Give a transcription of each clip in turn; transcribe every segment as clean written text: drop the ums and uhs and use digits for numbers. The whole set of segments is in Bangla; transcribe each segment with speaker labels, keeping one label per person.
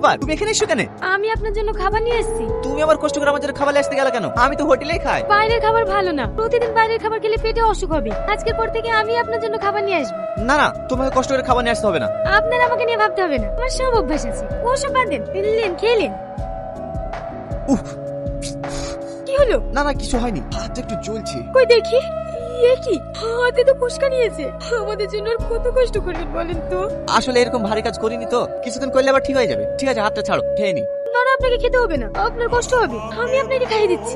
Speaker 1: ব্যাপার, তুমি এখানে এসো কেন?
Speaker 2: আমি আপনার জন্য খাবার নিয়ে এসেছি।
Speaker 1: তুমি আবার কষ্ট করে আমার জন্য খাবার নিয়ে আসতে গেলে কেন? আমি তো হোটেলেই খাই।
Speaker 2: বাইরের খাবার ভালো না, প্রতিদিন বাইরের খাবার খেলে পেটে অসুখ হবে। আজকের পর থেকে আমি আপনার জন্য খাবার নিয়ে আসবো।
Speaker 1: না না, তোমাকে কষ্ট করে খাবার নিয়ে আসতে হবে না।
Speaker 2: আপনার আমাকে নিয়ে ভাবতে হবে না, আমার সব অভ্যাস আছে। ওসব বাদ দেন, নিলেন খেলেন।
Speaker 1: উফ,
Speaker 2: কি হলো?
Speaker 1: না না, কিছু হয়নি, হাতটা একটু জ্বলছে।
Speaker 2: কই দেখি। এ কি, হাতে তো ফোসকা নিয়েছে। আমাদের জন্য আর কত কষ্ট করবেন বলেন তো।
Speaker 1: আসলে এরকম ভারী কাজ করিনি তো, কিছুদিন করলে আবার ঠিক হয়ে যাবে। ঠিক আছে, হাতটা ছাড়ো, খেয়ে নি।
Speaker 2: না না, আপনাকে খেতে হবে না, আপনার কষ্ট হবে। আমি আপনাকে খাইয়ে দিচ্ছি।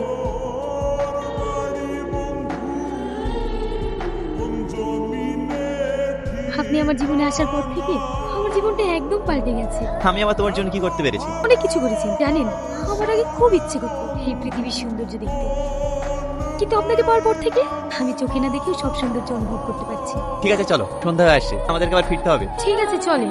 Speaker 2: আপনি আমার জীবনে আসার পর থেকে আমার জীবনটা একদম পাল্টে গেছে।
Speaker 1: আমি আবার তোমার জন্য কি করতে পেরেছি?
Speaker 2: অনেক কিছু করেছেন জানেন। আমার আগে খুব ইচ্ছে করতো এই পৃথিবীর সৌন্দর্য দেখতে, কিন্তু আপনাকে পাওয়ার পর থেকে আমি চোখে না দেখেও সব সৌন্দর্য অনুভব করতে পারছি।
Speaker 1: ঠিক আছে চলো, সন্ধ্যা হয়ে আসছে, আমাদেরকে আবার ফিরতে হবে।
Speaker 2: ঠিক আছে চলেন।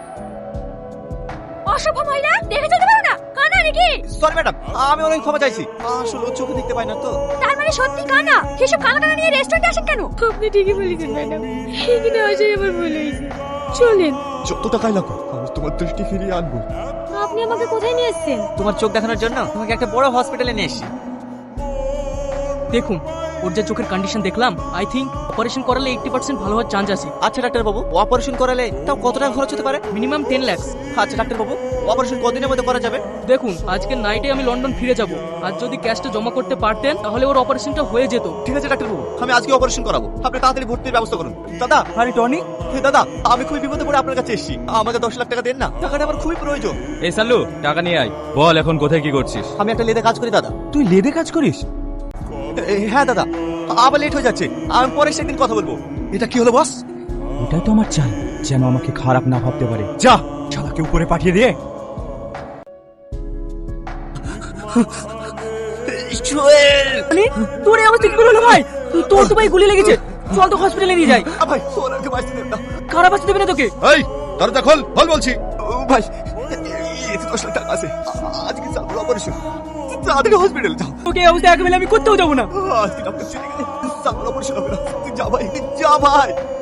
Speaker 2: অসভ্য মহিলা, দেখে চলতে পারো না, কানা নাকি?
Speaker 1: সরি ম্যাডাম, আমি অনেক ক্ষমা চাইছি। আসলে ও চোখে দেখতে পাই না তো।
Speaker 2: তার মানে সত্যি কানা? সেসব কানা কানা নিয়ে রেস্টুরেন্টে আসেন কেন? আপনি ঠিকই বলেছেন ম্যাডাম, এখানে আসাই আমার ভুল হয়েছে। চলেন।
Speaker 3: যত টাকাই লাগুক আমি তোমার দৃষ্টি ফিরিয়ে আনবো।
Speaker 2: আপনি আমাকে কোথায় নিয়ে এসেছেন?
Speaker 1: তোমার চোখ দেখানোর জন্য তোমাকে একটা বড় হসপিটালে নিয়ে এসেছি।
Speaker 4: দেখুন, ওর যে চোখের কন্ডিশন দেখলাম, আই থিঙ্ক অপারেশন করালে 80% ভালো হওয়ার চান্স আছে।
Speaker 1: আচ্ছা ডাক্তার বাবু, অপারেশন করালে তাও কত টাকা খরচ হতে পারে?
Speaker 4: মিনিমাম 10 লাখ।
Speaker 1: আচ্ছা ডাক্তার বাবু, অপারেশন কতদিনের মধ্যে করা যাবে?
Speaker 4: দেখুন, আজকে নাইটে আমি লন্ডন ফিরে যাব, আর যদি ক্যাশটা জমা করতে পারতেন তাহলে ওর অপারেশনটা হয়ে যেত।
Speaker 1: ঠিক আছে ডাক্তার বাবু, আমি আজকে অপারেশন করাবো। আপনি তাড়াতাড়ি ভর্তির ব্যবস্থা করুন। দাদা।
Speaker 3: আরে টনি,
Speaker 1: হে দাদা, আমি খুবই বিপদে পড়ে আপনার কাছে এসেছি। আমাকে 10 লাখ টাকা দেন না, টাকাটা আমার খুবই প্রয়োজন।
Speaker 5: এই সাল্লু, টাকা নিয়ে আয়। বল এখন কোথায় কি করছিস?
Speaker 1: আমি একটা লেদে কাজ করি দাদা।
Speaker 3: তুই লেদে কাজ করিস?
Speaker 1: হ্যাঁ দাদা, আবার লেট হয়ে যাচ্ছে, আমি পরে সেদিন কথা বলবো।
Speaker 3: এটা কি হলো বস? ওটাই তো আমার চাই, যেন আমাকে খারাপ না ভাবতে পারে। যা, শালাকে উপরে পাঠিয়ে দিয়ে।
Speaker 4: মানে তোর এই অবস্থা কি করে হলো ভাই? তোর তো ভাই গুলি লেগেছে, চল তো হসপিটালে নিয়ে যাই।
Speaker 1: ভাই ওনাকে বাঁচতে দেন না।
Speaker 4: খারাপ আসতে দেবে না তোকে।
Speaker 5: এই দরজা খোল, খোল বলছি।
Speaker 1: ভাই এতে 10 লাখ টাকা আছে, আজকে সামনে অপারেশন, তাড়াতাড়ি হসপিটাল যাও।
Speaker 4: তোকে এই অবস্থা একেবারে আমি করতেও যাবো না।
Speaker 1: আজকে ডক্টর চলে গেলে সামনে অপারেশন হবে না। তুই যা ভাই, যা ভাই।